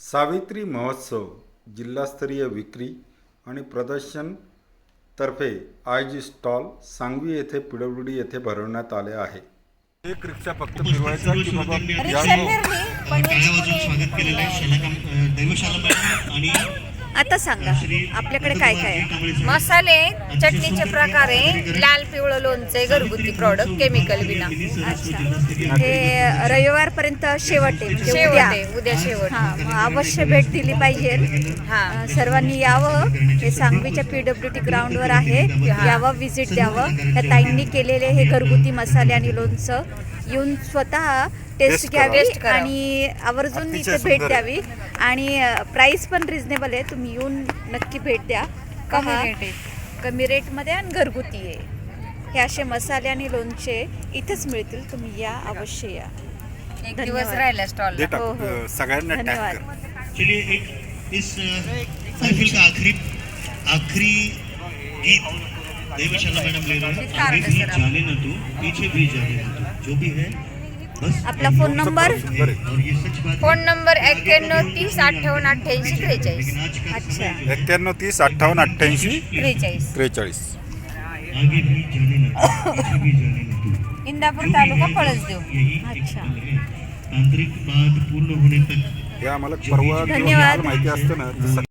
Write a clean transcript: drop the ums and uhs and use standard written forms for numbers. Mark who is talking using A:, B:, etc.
A: सावित्री महोत्सव जिल्हास्तरीय विक्री आणि प्रदर्शन तर्फे आयोजित स्टॉल सांगवी येथे पीडब्ल्यूडी येथे भरवण्यात आले आहे। एक रिक्षा फक्त फिरवायचा की बाबा
B: टाळ्या वाजवून स्वागत केलेलं आहे दैवशाला मॅडम आणि
C: आता सांगा आपल्याकडे काय काय आहे?
D: मसाले चटणीचे प्रकार आहे, लाल पिवळं लोणचे, घरगुती प्रॉडक्ट, केमिकल विना।
C: अच्छा, हे रविवारपर्यंत शेवट आहे म्हणजे
D: शेवट
C: उद्या.
D: आहे, उद्या शेवट।
C: हा, मग अवश्य भेट दिली पाहिजे।
D: हा,
C: सर्वांनी यावं, हे सांगवीच्या पीडब्ल्यूडी ग्राउंडवर आहे, यावं, व्हिजिट द्यावं। या ताईंनी केलेले हे घरगुती मसाले आणि लोणचं येऊन स्वतः टेस्ट घ्यावी आणि आवर्जून इथे भेट द्यावी। आणि प्राइस पण रिजनेबल आहे, तुम्ही येऊन नक्की भेट द्या। कमी रेटमध्ये आणि घरगुती आहे। हे असे मसाले आणि लोणचे इथेच मिळतील, तुम्ही या, अवश्य या।
D: एक दिवस राहिला स्टॉल।
C: हो हो,
A: सगळ्यांना टॅग
C: धन्यवाद।
A: कर।
B: चलिए एक इस महफिल का आखिरी गीत दैवशाला मैडम ले रहे हैं। आगे भी जाने न तू, पीछे भी जाने न तू, जो भी है बस।
C: आपला फोन नंबर?
B: और ये सच बात है।
D: Phone number 91 30 58 88 43।
C: अच्छा,
A: 91 30 58 88
D: 43।
A: 43।
B: आगे भी जाने न तू, पीछे भी जाने न तू।
D: इंदापूर तालुका पळसदेव।
B: यही
C: अच्छा,
B: तांत्रिक बात पूर्ण होने तक
A: हे आम्हाला परवा
C: धन्यवाद।
A: माहिती असतं ना